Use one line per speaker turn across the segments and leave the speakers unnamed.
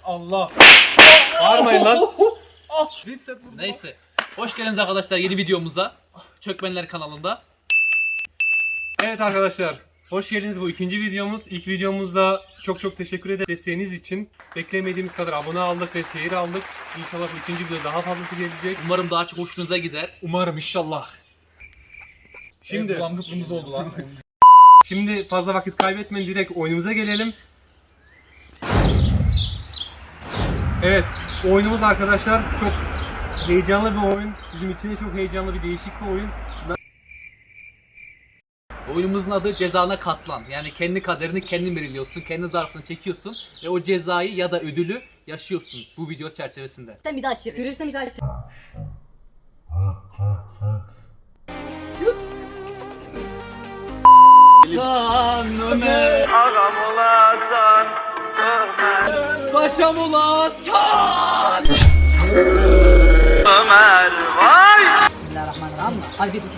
Allah. Bağırmayın lan.
Neyse. Hoş geldiniz arkadaşlar yeni videomuza. Çökmenler kanalında.
Evet arkadaşlar. Hoş geldiniz bu ikinci videomuz. İlk videomuzda çok teşekkür ederim desteğiniz için. Beklemediğimiz kadar abone aldık ve seyir aldık. İnşallah bu ikinci videoda daha fazlası gelecek.
Umarım daha çok hoşunuza gider.
Umarım inşallah.
Şimdi
Langıplımız oldu lan.
Şimdi fazla vakit kaybetmeyin, direkt oyunumuza gelelim. Evet, oyunumuz arkadaşlar çok heyecanlı bir oyun. Bizim için de çok heyecanlı bir değişik bir oyun.
Oyunumuzun adı Cezana Katlan. Yani kendi kaderini kendin belirliyorsun. Kendi zarfını çekiyorsun. Ve o cezayı ya da ödülü yaşıyorsun bu video çerçevesinde.
Sen bir daha açır. Görürsen bir daha açır.
San Ömer Ağam olasan Ömer Paşam olasan Ömer vay.
Bismillahirrahmanirrahim. Hadi bir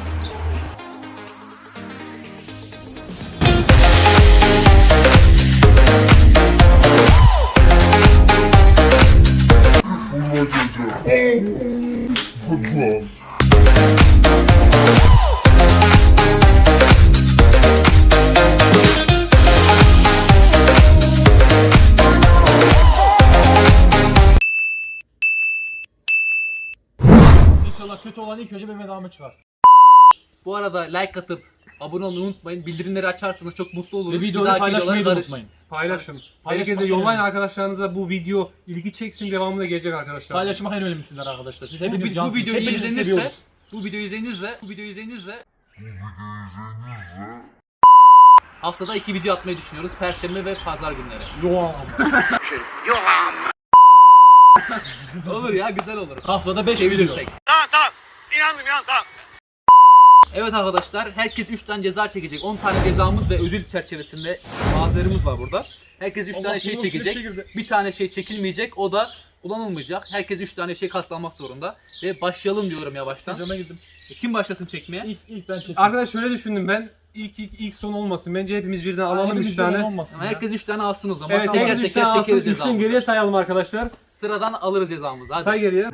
İnşallah kötü olan ilk önce benim devamı çıkar.
Bu arada like atıp abone olmayı unutmayın. Bildirimleri açarsanız çok mutlu oluruz.
Ve
Bir
videoyu
dahaki
paylaşmayı da
videolara
unutmayın.
Paylaşın.
Paylaşmak
Herkese yollayın
önemlisi.
arkadaşlarınıza, bu video ilgi çeksin, devamı da gelecek arkadaşlar.
Paylaşmak en önemlisidir arkadaşlar. Siz
Bu,
hepiniz
bu
cansınız.
videoyu
Hepinizi
izlenirse
seviyoruz.
bu videoyu izlenirse haftada 2 video atmayı düşünüyoruz. Perşembe ve pazar günleri. Olur ya, güzel olur.
Haftada 5 video.
Sevilirsek. Tamam. İnandım. Evet arkadaşlar, herkes 3 tane ceza çekecek. 10 tane cezamız ve ödül çerçevesinde bazılarımız var burada. Herkes 3 tane şey çekecek. Bir tane şey çekilmeyecek, o da kullanılmayacak. Herkes 3 tane şey katlanmak zorunda. Ve başlayalım diyorum yavaştan.
Hocama girdim.
Kim başlasın çekmeye?
İlk ben çekeyim.
Arkadaş şöyle düşündüm ben. İlk son olmasın. Bence hepimiz birden alalım
Hepimiz
3 tane.
birden olmasın
Ama
ya.
herkes 3 tane alsın o zaman.
Evet,
teker
herkes 3
teker
tane alsın.
çekeriz
3'ten
cezamızı.
geriye sayalım arkadaşlar.
Sıradan alırız cezamızı. Hadi.
Say geriye.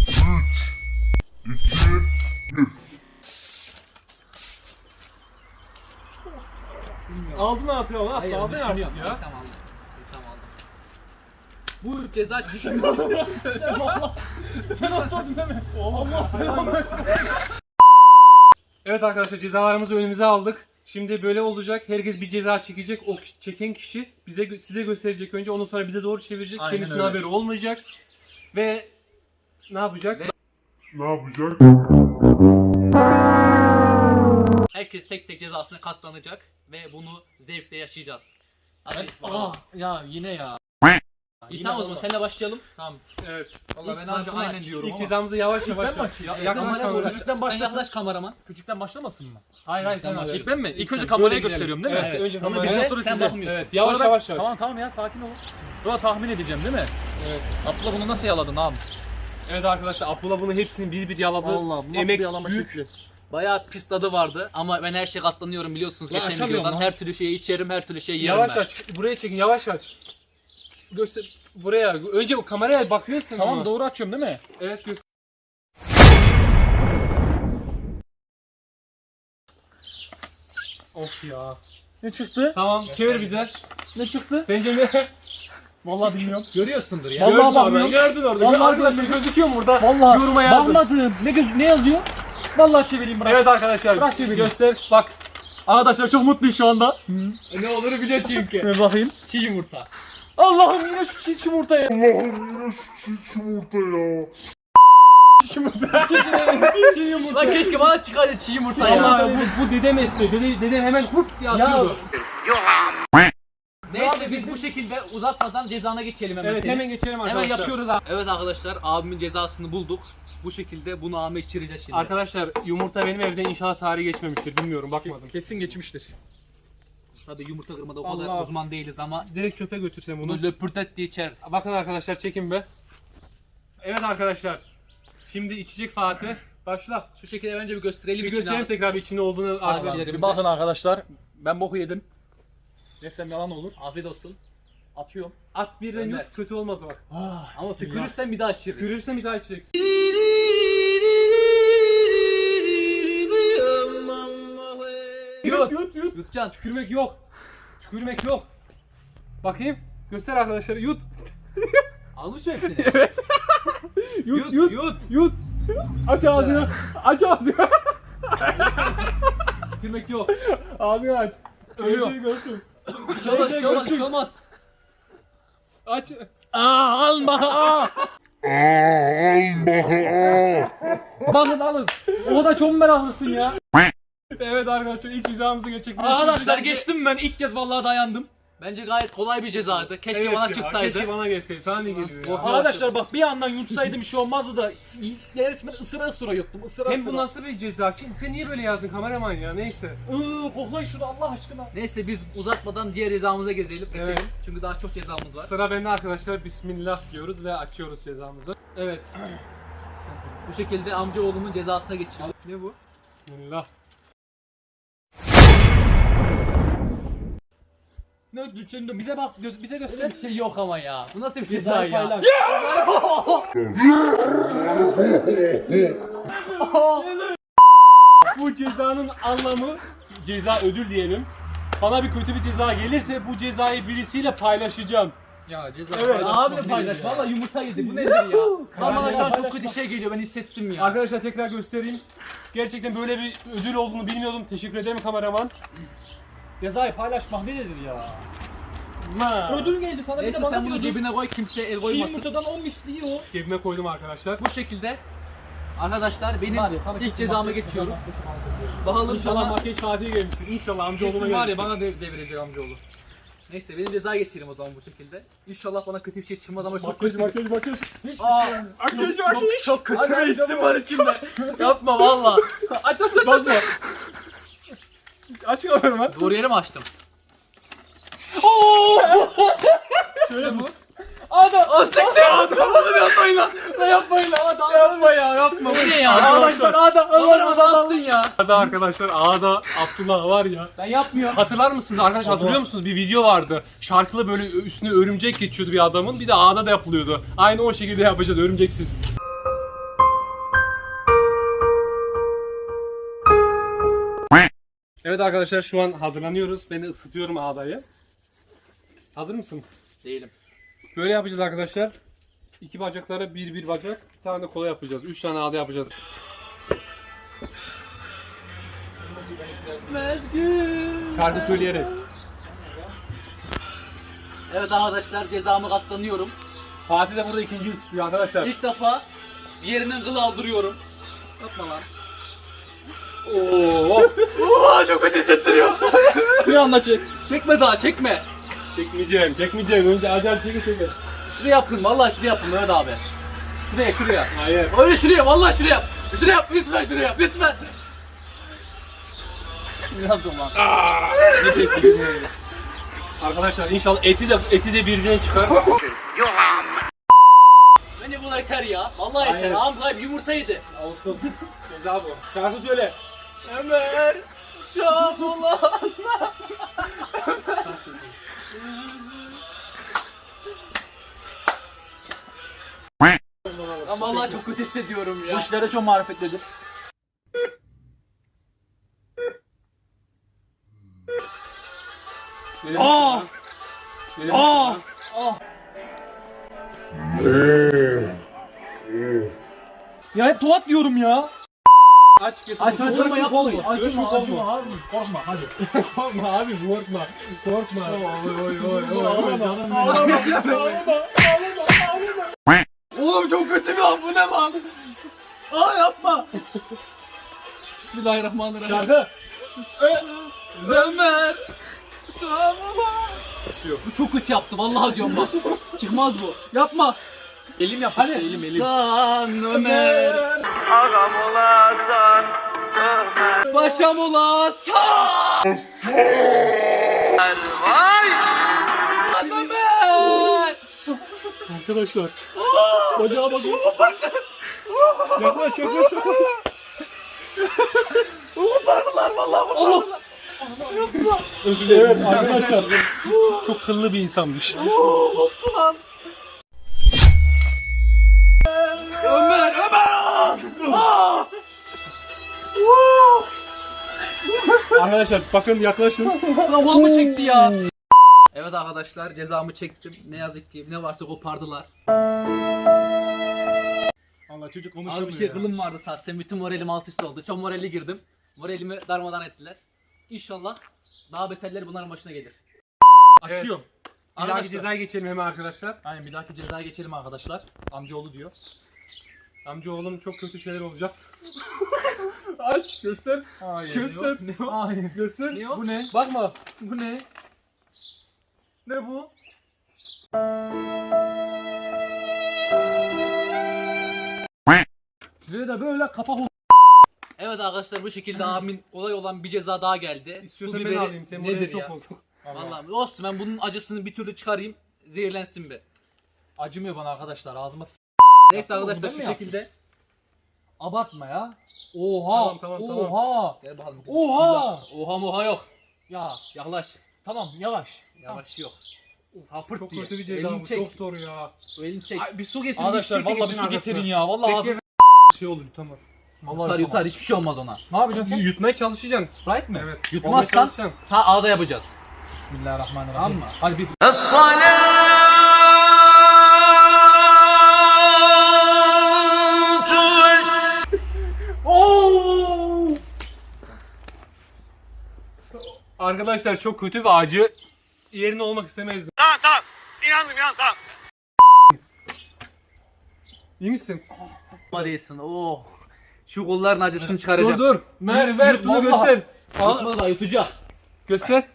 Aldın atıyor lan.
Hayır,
Aldın
düşünüyorum.
artık ya.
Tamam aldım. Tamam aldım. Bu ceza çeşidi.
Sen asladın değil mi? Allah.
Evet arkadaşlar, cezalarımızı önümüze aldık. Şimdi böyle olacak. Herkes bir ceza çekecek. O çeken kişi size gösterecek önce. Ondan sonra bize doğru çevirecek.
Aynen
Kendisine
öyle.
haberi olmayacak. Ve ne yapacak?
Herkes tek tek cezasına katlanacak ve bunu zevkle yaşayacağız. Hadi.
Ya yine ya.
İyi, tamam o zaman seninle başlayalım.
Tamam.
Evet.
Vallahi ben
İlk
anca
zarfını
aynen
aç.
diyorum
İlk
ama.
cezamızı yavaş yavaş
Ben mi açayım?
yaklaş
Kameraya doğru
kameraya.
aç.
Küçükten
Sen
başlasın.
yaklaş kameraman.
Küçükten başlamasın mı?
Hayır
sen başla.
İlk ben mi? İlk önce
Böyle
kameraya
gidelim.
gösteriyorum değil mi?
Evet, önce
Sonra
kameraya.
bize,
sonra
sen
size.
bakmıyorsun.
Evet, yavaş
Sonra
yavaş
ben-
yavaş.
Tamam ya sakin ol. Sonra tahmin edeceğim değil mi?
Evet.
Abla bunu nasıl yaladın abi?
Evet arkadaşlar, Abdullah bunu hepsini bir yaladı.
Allah bu nasıl
Emek
bir yalama
büyük.
şekli?
Bayağı pis tadı vardı ama ben her şeye katlanıyorum biliyorsunuz
Lan
geçen
açamıyorum
videodan.
lan.
Her türlü şeyi içerim, her türlü şeyi yerim
Yavaş
ben.
aç. Buraya çekin, yavaş aç. Göster buraya. Önce o kameraya bakıyorsun.
Tamam
ama.
doğru açıyorum değil mi?
Evet, göster. Of ya.
Ne çıktı?
Tamam, çevir bize.
Ne çıktı?
Sence ne?
Vallahi bilmiyorum.
Görüyorsundur ya.
Vallahi
Gördün
bakmıyorum.
orada, gördün orada.
Vallahi
Arkadaşlar gözüküyor mu burada?
Vallahi
Yoruma yazın.
bakmadım. Ne yazıyor? Vallahi çevireyim bırak.
Evet arkadaşlar,
Bırak çevireyim.
göster. Bak.
Arkadaşlar çok mutluyum şu anda.
Ne olur biliyor çünkü.
Bir bakayım.
Çiğ yumurta.
Allah'ım yine şu çiğ yumurta ya. Çiğ yumurta.
Lan keşke bana çıkaydı çiğ yumurta ya.
Allah, bu dedem esti. Dedem hemen hurt diye
Ya
atıyordu.
Neyse biz bu şekilde uzatmadan cezana geçelim hemen.
Evet,
senin.
hemen geçelim
Hemen
arkadaşlar.
yapıyoruz abi. Evet arkadaşlar, abimin cezasını bulduk. Bu şekilde bunu ağama içireceğiz şimdi.
Arkadaşlar, yumurta benim evde inşallah tarihi geçmemiştir. Bilmiyorum, bakmadım.
Kesin geçmiştir.
Tabii yumurta kırmada o kadar
Allah.
uzman değiliz ama
Direkt çöpe götürsem bunu.
bunu löpürtet diye içer.
Bakın arkadaşlar, çekin be. Evet arkadaşlar. Şimdi içecek Fatih. Başla.
Şu şekilde önce bir gösterelim
Bir
içine
gösterelim
abi.
tekrar bir içinde olduğunu arkadaşlar.
Abilerimize.
Bir bakın arkadaşlar. Ben boku yedim. Desem yalan olur.
Afiyet olsun.
Atıyorum.
At birden
Gönder.
yut, kötü olmaz bak.
Ama tükürürsen bir daha içeriz.
Tükürürsen bir daha içeceksin. Yut.
Yutacaksın.
Tükürmek yok. Tükürmek yok. Bakayım. Göster arkadaşlar. Yut.
Almış mı hepsini?
Evet. Yut, yut,
Yut.
yut. Aç ağzını. Aç ağzını.
Tükürmek yok.
Ağzını aç.
Ölüyor.
Şey görsün.
Bir şey olmaz, bir şey olmaz, bir şey olmaz.
Aç.
Alın alın. O da çok meraklısın ya.
Evet arkadaşlar ilk cezamızı geçecek.
Arkadaşlar geçtim ben ilk kez vallahi dayandım.
Bence gayet kolay bir cezaydı. Keşke
Evet
bana
ya,
çıksaydı.
Keşke bana geçseydi. Sana ne geliyor ya?
Arkadaşlar bak bir yandan yutsaydım bir şey olmazdı da resmen ısıra ısıra yuttum. Isıra
Hem
ısıra.
bu nasıl bir ceza? Sen niye böyle yazdın kameraman ya? Neyse.
Koklayın şunu Allah aşkına.
Neyse biz uzatmadan diğer cezamıza geçelim.
Evet.
Çünkü daha çok cezamız var.
Sıra bende arkadaşlar. Bismillah diyoruz ve açıyoruz cezamızı. Evet.
Bu şekilde amcaoğlumun cezasına geçiyoruz.
Ne bu? Bismillah.
Ne düşündün? Bize bak bize göster.
Bir şey yok ama ya. Bu nasıl bir ceza
Cezayı
ya?
paylaş.
Bu cezanın anlamı ceza ödül diyelim. Bana bir kötü bir ceza gelirse bu cezayı birisiyle paylaşacağım.
Ya ceza
Evet.
Abi paylaş. Valla yumurta yedi. Bu nedir ya? Lan bana şu an çok kötü şey geliyor. Ben hissettim ya.
Arkadaşlar tekrar göstereyim. Gerçekten böyle bir ödül olduğunu bilmiyordum. Teşekkür ederim kameraman.
Cezayı paylaşmak nedir ya? Ödül geldi sana bir
Neyse
de bana
sen bunu
diyordun.
cebine koy. Kimse el
Çiğ
koymasın.
yumurtadan 10 misliği o.
Cebime koydum arkadaşlar.
Bu şekilde arkadaşlar benim
Var ya, sana
ilk
kesin
cezama
makyaj
geçiyoruz.
yapacağım.
Bakalım
İnşallah
bana
makyaj Fatih'e gelmiştir. İnşallah amcaoğluma
Kesin var ya
gelmiştir.
bana devirecek amcaoğlu.
Neyse benim ceza geçelim o zaman bu şekilde. İnşallah bana kötü bir şey çıkmaz ama çok
Makyaj
kötü.
makyaj.
Hiçbir
Aa,
şey.
çok kötü bir hissim var içimde. Yapma valla.
Aç.
Aç kameramı.
Doğru yere mi açtım?
Şöyle bu.
Adam.
O siktir! Oğlum yapmayın lan!
Yapmayın lan adam.
Yapma ya yapma. Bu ne ya?
Arkadaşlar adam.
Oğlum ne yaptın ya?
Ağda arkadaşlar ağda Abdullah var ya.
Ben yapmıyorum.
Hatırlar mısınız arkadaşlar, hatırlıyor musunuz? Bir video vardı. Şarkılı böyle üstüne örümcek geçiyordu bir adamın. Bir de ağda da yapılıyordu. Aynı o şekilde yapacağız örümceksiz. Evet arkadaşlar şu an hazırlanıyoruz. Ben de ısıtıyorum ağdayı. Hazır mısın?
Değilim.
Böyle yapacağız arkadaşlar. İki bacaklara bir bacak. Bir tane de kola yapacağız. 3 tane ağda yapacağız. Şarkı söyleyerek.
Evet arkadaşlar cezamı katlanıyorum.
Fatih de burada ikinci ısıtıyor arkadaşlar.
İlk defa bir yerinden kıl aldırıyorum. Yapma lan.
Oo.
Oo çok kötü hissettiriyor.
Bir anda çek.
Çekme daha çekme.
Çekmeyeceğim. Önce acayip çeke.
Şuraya yaptın vallahi şuraya yaptın Mehmet abi. Şuraya.
Hayır.
Öyle şuraya vallahi şuraya yap. Şuraya yap lütfen şuraya yap lütfen. Ne yaptın lan?
Ne çekti bilmiyorum. Arkadaşlar inşallah eti de birbirine çıkar.
Bence buna yeter ya. Vallahi yeter.
Hayır.
Ağam kayıp yumurta yedi.
Olsun. Ceza bu. Şarkı söyle.
Ömer Şabulas. Ama vallahi çok kötü hissediyorum ya.
Bu işlere çok marifetlidir. Aa! Aa! Ya hep tuvat diyorum ya.
Aç getir.
Aç
Olma, yapma.
Acıma abi. Korkma hadi.
Korkma abi korkma. Korkma.
Oğlum çok kötü bir an bu ne lan? Aa yapma. Bismillahirrahmanirrahim.
Şarkı.
Ömer Şabulas. Bu çok kötü yaptı vallahi diyorum bak. Çıkmaz bu. Yapma.
Elim yap işte elim.
San Ömer. Ağam olasan Ömer. Başam olasan. Vay. Ömer.
Arkadaşlar. Bacağa bakın. Yaklaş.
Parmalar vallahi bu.
Özür dilerim. Evet arkadaşlar. Çok kıllı bir insanmış.
Ömer!
Arkadaşlar bakın yaklaşın.
Lan kolumu çekti ya. Evet arkadaşlar cezamı çektim. Ne yazık ki ne varsa kopardılar.
Allah çocuk
Abi
konuşamıyor
bir şey
ya.
kılım vardı zaten. Bütün moralim alt üst oldu. Çok moralli girdim. Moralimi darmadan ettiler. İnşallah daha beterleri bunların başına gelir.
Açıyorum.
Bir dahaki cezaya geçelim hemen arkadaşlar.
Aynen bir dahaki cezaya geçelim arkadaşlar. Amcaoğlu diyor.
Amcaoğlum çok kötü şeyler olacak. Aç göster.
Hayır.
Göster.
Ne o? Hayır.
Göster.
Ne o?
Bu ne?
Bakma.
Bu ne? Ne bu? Size de böyle kapak oldu.
Evet arkadaşlar bu şekilde abimin olay olan bir ceza daha geldi.
İstiyorsan
Bu
ben
biberi
alayım. Sen
nedir
buraya çok
ya?
bozuk.
Vallahi olsun ben bunun acısını bir türlü çıkarayım. Zehirlensin be.
Acımıyor bana arkadaşlar ağzıma
Neyse
Yaptın,
arkadaşlar
bunu
şu
ben mi yaptım?
şekilde.
Abartma ya. Oha.
Tamam.
Oha.
Gel bakalım.
Oha.
Bismillah. Oha moha yok.
Ya
Yaklaş.
tamam yavaş.
Yavaş yok. Hapırt
Çok
diye.
kötü bir ceza
Elini
bu.
çek.
Çok zor ya.
O elini çek.
Ay, bir su getirin.
Arkadaşlar
bir şirket
vallahi bir su
arkasına.
getirin ya. Vallahi ağzım.
Bekle. Şey olur yutamaz.
Yutar yutar hiçbir şey olmaz ona.
Ne yapacaksın sen?
Yutmaya çalışacaksın.
Sprite mi?
Evet.
Yutmazsan
Olmaya çalışacaksın.
sağ ağda yapacağız.
Bismillahirrahmanirrahim.
Tamam mı?
Hadi bir.
Arkadaşlar çok kötü ve acı. Yerine olmak istemezdim.
Tamam. İnandım tamam.
İyi misin?
Ama değilsin. Oh. Şu kolların acısını çıkaracağım.
Dur. Ver bunu göster.
Yutmadı da yutacak.
Göster.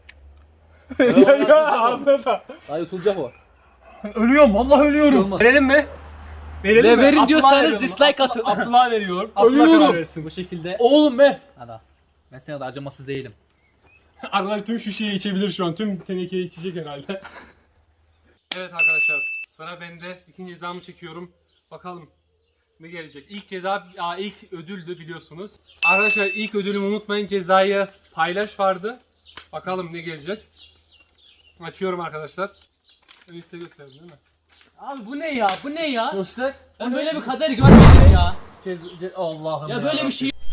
ya,
ağzına da.
Daha yutulacak o.
Ölüyorum. Vallahi
Bir şey
ölüyorum.
olmaz.
Verelim mi?
Ve
mi?
verin
Abdullah'a
diyorsanız
veriyorum.
dislike atın.
Abdullah'a veriyorum. Abdullah
Ölüyorum.
karar versin.
Bu şekilde.
Oğlum ver.
Hadi. Ben sana da acımasız değilim.
Arkadaşlar tüm şu şeyi içebilir şu an. Tüm tenekeyi içecek herhalde. Evet arkadaşlar. Sıra bende. İkinci cezamı çekiyorum. Bakalım ne gelecek. İlk ceza, ilk ödüldü biliyorsunuz. Arkadaşlar ilk ödülümü unutmayın. Cezayı paylaş vardı. Bakalım ne gelecek. Açıyorum arkadaşlar. Öyle size gösterdim değil mi?
Abi bu ne ya? Bu ne ya?
Göster.
Ben böyle bir kader görmedim ya.
Allah'ım
Ya böyle bir şey.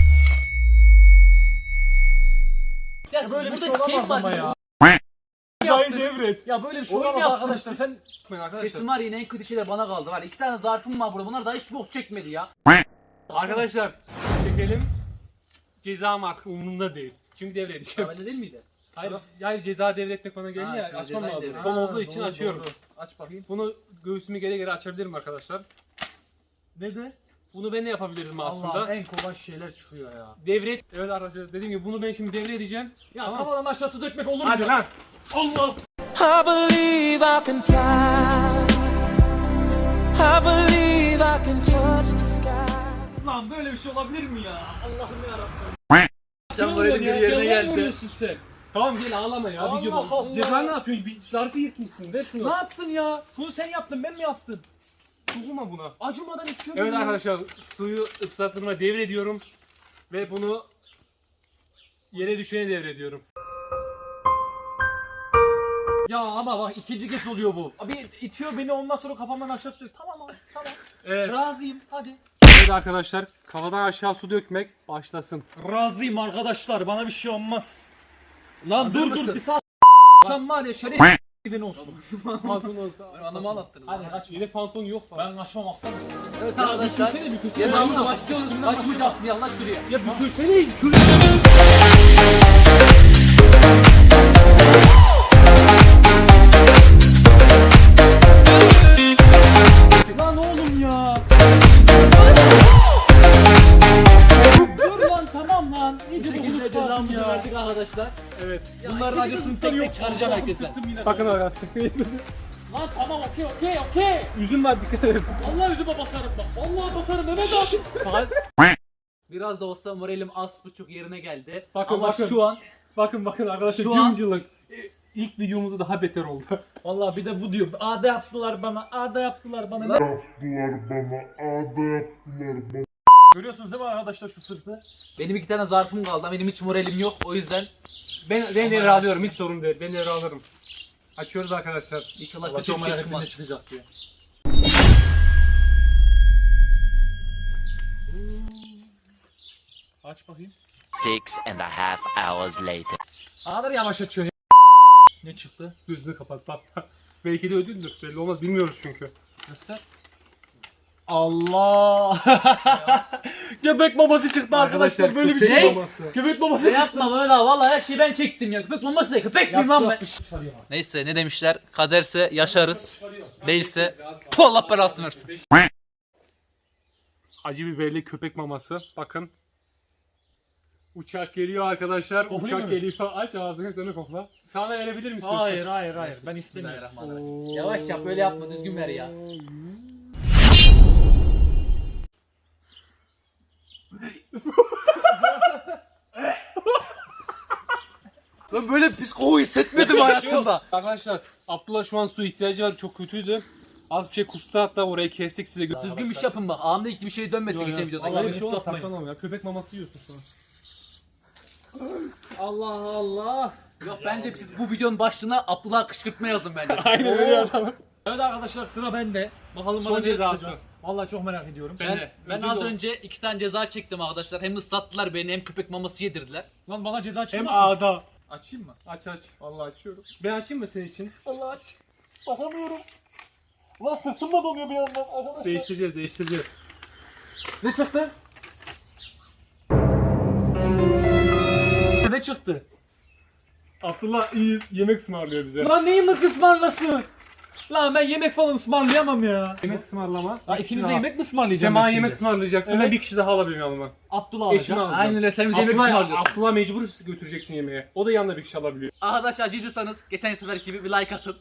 Ya
böyle bir
burada
şey
skate
olamaz ama
var.
ya.
Cezayı
yaptınız?
devret.
Ya böyle bir şey
Oyun
olamaz
yaptınız
arkadaşlar.
siz.
Sen
Unutmayın arkadaşlar.
Kesin var yine en kötü şeyler bana kaldı. Var 2 tane zarfım var burada. Bunlar daha hiç bok çekmedi ya.
Arkadaşlar çekelim. Cezam artık umurumda değil. Çünkü devredeceğim.
Öyle değil miydi?
Hayır, yani ceza devretmek bana geldi
Ha,
ya
şimdi
açmam
cezayı
lazım.
devret.
Son
Ha,
olduğu için
doğru,
açıyorum.
doğru. Aç bakayım.
Bunu göğsümü geri geri açabilirim arkadaşlar.
Ne de?
Bunu ben de yapabilirim aslında.
Allah'ım en kolay şeyler çıkıyor ya.
Devret. Evet arkadaşlar dediğim gibi bunu ben şimdi devredeceğim.
Ya
Tamam.
kafadan aşağısı dökmek olur mu?
Hadi lan. Allah.
I believe I can fly. I believe I can touch the sky.
Lan böyle bir şey olabilir mi ya? Allah'ım yarabbim.
Sen böyle bir yerine geldi.
Sen.
Tamam gel ağlama ya.
Allah
bir gibi.
Allah.
Ceza ne yapıyorsun? Bir zarfı yırtmışsın. Ver şunu.
Ne yaptın ya? Bunu sen yaptın, ben mi yaptım?
Dokunma buna.
Acımadan itiyor
Evet
beni ya.
arkadaşlar suyu ıslattığıma devrediyorum. Ve bunu yere düşene devrediyorum.
Ya ama bak ikinci kez oluyor bu. Abi itiyor beni ondan sonra kafamdan aşağı sürüyor. Tamam abi tamam.
Evet.
Razıyım hadi.
Evet arkadaşlar kafadan aşağı su dökmek başlasın.
Razıyım arkadaşlar bana bir şey olmaz. Lan
Hazır
dur
mısın?
dur bir saat. Akşam var ya şeref giden olsun.
Pantolon olsa.
Anamı anlattınız.
Hadi kaç.
Yedek pantolon yok mu?
Ben kaçmam aslanım.
Evet arkadaşlar. Cezamıza başlıyoruz. Kaçmayacaksın yallah şuraya.
Ya bükülsene.
Lan oğlum ya. Dur lan tamam lan.
Bu
İyice
şekilde
bokunu çıkardın
cezamızı
ya.
verdik arkadaşlar.
Evet.
Bunların acısını tek tek çıkaracağım herkese.
Bakın arkadaşlar.
Lan tamam okey.
Üzüm var dikkat edin.
Allah yüzüme basarım bak. Vallahi basarım Mehmet abi.
Biraz da olsa moralim az buçuk yerine geldi.
Bakın,
Ama
bakın.
şu an
Bakın arkadaşlar
Şu an-
cımcılık. İlk videomuzda daha beter oldu.
Vallahi bir de bu diyor. Ağda yaptılar bana. Ağda yaptılar bana. Görüyorsunuz değil mi arkadaşlar şu sırtı?
Benim 2 tane zarfım kaldı ama benim hiç moralim yok. O yüzden
Ben devre alıyorum, hiç sorun değil. Ben devre alırım. Açıyoruz arkadaşlar.
inşallah
Allah
kötü
çok
bir şey
merak ettim ne
çıkmaz.
çıkacak diye. Aç bakayım.
6.5 hours later.
Ne kadar yavaş açıyor ya. Ne çıktı?
Gözünü kapat bak. Belki de ödüldür. Belli olmaz. Bilmiyoruz çünkü.
Göster. Allah! Göbek maması çıktı arkadaşlar. Böyle bir
köpek
şey.
maması.
Göbek maması
Ne
çıktı.
yapma böyle vallahi her şeyi ben çektim ya. Köpek maması ne? Köpek miyim lan ben? Neyse ne demişler? Kaderse yaşarız. Değilse puh, Allah belasını versin.
Acı biberli köpek maması. Bakın. Uçak geliyor arkadaşlar.
Koklayayım
Uçak
mı?
geliyor. Aç ağzını, sen de kokla. Sana verebilir misin?
Hayır hayır hayır. Ben istemiyorum.
Bismillahirrahmanirrahim. Yavaş yap böyle yapma düzgün ver ya. Ben böyle pis koku hissetmedim hayatımda.
Arkadaşlar Abdullah şu an su ihtiyacı var. Çok kötüydü. Az bir şey kustu, hatta orayı kestik size.
Düzgün bir şey yapın bak. Anında iki bir şey dönmesin geçen videoda.
Allah
Vallahi
beni
bir şey olmaz.
ıslatmayın.
Saçmalama ya. Köpek maması yiyorsun şu an.
Allah Allah.
Yok bence siz bu videonun başlığına Abdullah kışkırtma yazın bence.
Aynen öyle yazalım.
Evet arkadaşlar sıra bende. Bakalım bana
Son
ne
cezası.
çıkacak. Vallahi çok merak ediyorum.
Ben
Ödül
az
o.
önce 2 tane ceza çektim arkadaşlar. Hem ıslattılar beni hem köpek maması yedirdiler.
Lan bana ceza
Hem
çıkmasın.
ağda.
Açayım mı?
Aç aç. Vallahi açıyorum. Ben açayım mı senin için?
Allah aç. Bakamıyorum. Lan sırtım da donuyor bir yandan arkadaşlar.
Değiştireceğiz.
Ne çıktı? Ne çıktı?
Abdullah iyiyiz. Yemek ısmarlıyor bize.
Lan neyin mi ısmarlasın? Lan ben yemek falan ısmarlayamam ya.
Yemek ısmarlama.
Ya
Bir
ikinize
kişi
yemek mi ısmarlayacağım
Sema
ben şimdi?
yemek ısmarlayacaksın.
Evet.
Ben bir kişi daha alabilirim yanıma.
Abdullah
Eşimi
alacağım.
alacağım.
Aynen öyle sen bize yemek
Abdullah,
ısmarlıyorsun.
Abdullah mecbur götüreceksin yemeğe. O da yanında bir kişi alabiliyor.
Arkadaşlar acıcısanız geçen seferki gibi bir like atın.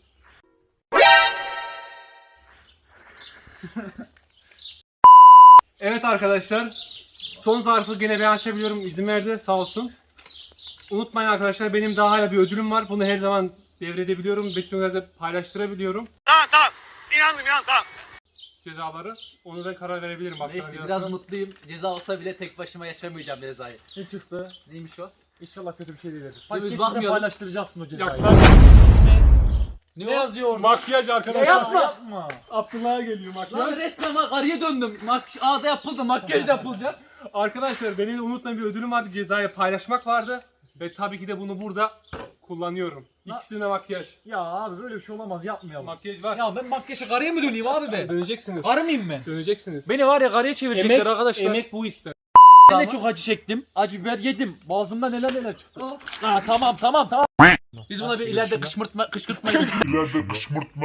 Evet arkadaşlar. Son zarfı gene ben açabiliyorum. İzin verdi sağ olsun. Unutmayın arkadaşlar, benim daha hala bir ödülüm var. Bunu her zaman devredebiliyorum. Betül'e paylaştırabiliyorum.
Tamam tamam. İnandım tamam.
Cezaları. Onu da karar verebilirim.
Neyse biraz mutluyum. Ceza olsa bile tek başıma yaşamayacağım cezayı.
Ne çıktı?
Neymiş o?
İnşallah kötü bir şey değildir.
Biz
Hadi size
bakmayalım.
paylaştıracaksın o cezayı.
Ne,
yazıyor orada?
Makyaj arkadaşlar.
Ya yapma.
Yapma.
Abdullah'a geliyor
Lan
makyaj.
resmen karıya döndüm. Ağda yapıldı, makyaj yapılacak.
Arkadaşlar benim de unutmayın bir ödülüm vardı. Cezayı paylaşmak vardı. Ve tabii ki de bunu burada kullanıyorum. İkisine makyaj.
Ya abi böyle bir şey olamaz yapmayalım.
Makyaj var.
Ya ben makyaja karıya mı döneyim abi ben?
Döneceksiniz.
Karı mıyım ben?
Döneceksiniz.
Beni var ya karıya çevirecekler
Emek,
arkadaşlar.
emek bu ister.
Ben de çok acı çektim. Acı biber yedim. Boğazımda neler çıktı. Ha tamam.
Biz buna bir ileride kışkırtmayız.
İleride kışkırtma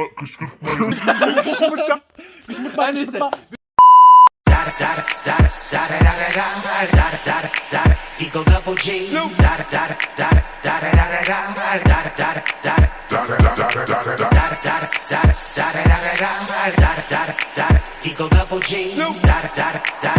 Her neyse.
Eagle double G. Eagle double G.